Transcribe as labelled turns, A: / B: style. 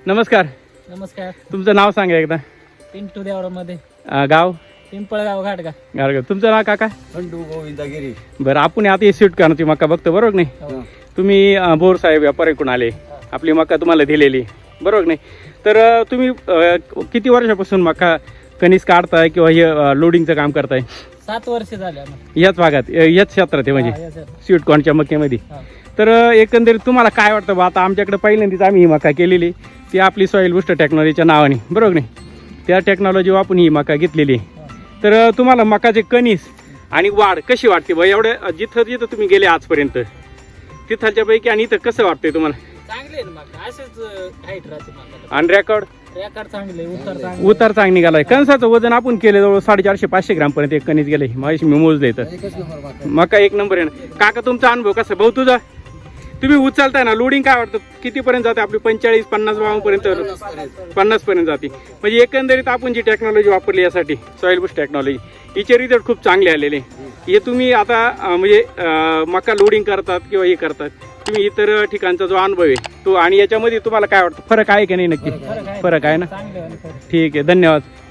A: नमस्कार.
B: नमस्कार.
A: तुमचं नाव सांगा एकदा.
B: पिंटू देवरामध्ये.
A: गाव
B: पिंपळगाव घाटगा.
A: गारगाव. तुमचं नाव काका?
C: खंडू गोविंदागिरी.
A: बरं, आपण आता स्वीट कॉर्नची मका बघतो, बरोबर नाही? तुम्ही बोर साहेब व्यापारीकडून आले, आपली मका तुम्हाला दिलेली, बरोबर नाही? तर तुम्ही किती वर्षापासून मका कणीस काढताय किंवा हे लोडिंगचं काम करताय?
B: 7 वर्ष झाले
A: याच भागात, याच क्षेत्रात आहे म्हणजे स्वीट कॉर्नच्या मक्यामध्ये. तर एकंदरीत तुम्हाला काय वाटतं बा? आता आमच्याकडे पहिल्यांदाच आम्ही ही मका केलेली, ती आपली सॉईल बुस्टर टेक्नॉलॉजीच्या नावाने, बरोबर नाही? त्या टेक्नॉलॉजी वापरून ही मका घेतलेली. तर तुम्हाला मकाचे कणीस आणि वाढ कशी वाटते बा? एवढ्या जिथं जिथं तुम्ही गेले आजपर्यंत तिथलच्या पैकी आणि इथं कसं वाटतंय तुम्हाला?
B: चांगले आहे मका, असेच हाईट राहते मका.
A: आणि रेकॉर्ड
B: चांगले,
A: उतार चांगली निघालाय. कणसाचं वजन आपण केलं जवळ 450-500 ग्राम पर्यंत एक कणीस गेले. माझी मी मोजले तर मका एक नंबर आहे ना. काका तुमचा अनुभव कसा भाऊ? तुझा तुम्ही उचलताय ना, लोडिंग काय वाटतं कितीपर्यंत जाते आपली? 45-50 पर्यंत, 50 पर्यंत जाते. म्हणजे एकंदरीत आपण जी टेक्नॉलॉजी वापरली यासाठी सॉईल बुस्ट टेक्नॉलॉजी, हिचे रिझल्ट खूप चांगले आलेले. हे तुम्ही आता म्हणजे मका लोडिंग करतात किंवा हे करतात, तुम्ही इतर ठिकाणचा जो अनुभव आहे तो, आणि याच्यामध्ये तुम्हाला काय वाटतं फरक आहे की नाही? नक्की फरक आहे ना. ठीक आहे, धन्यवाद.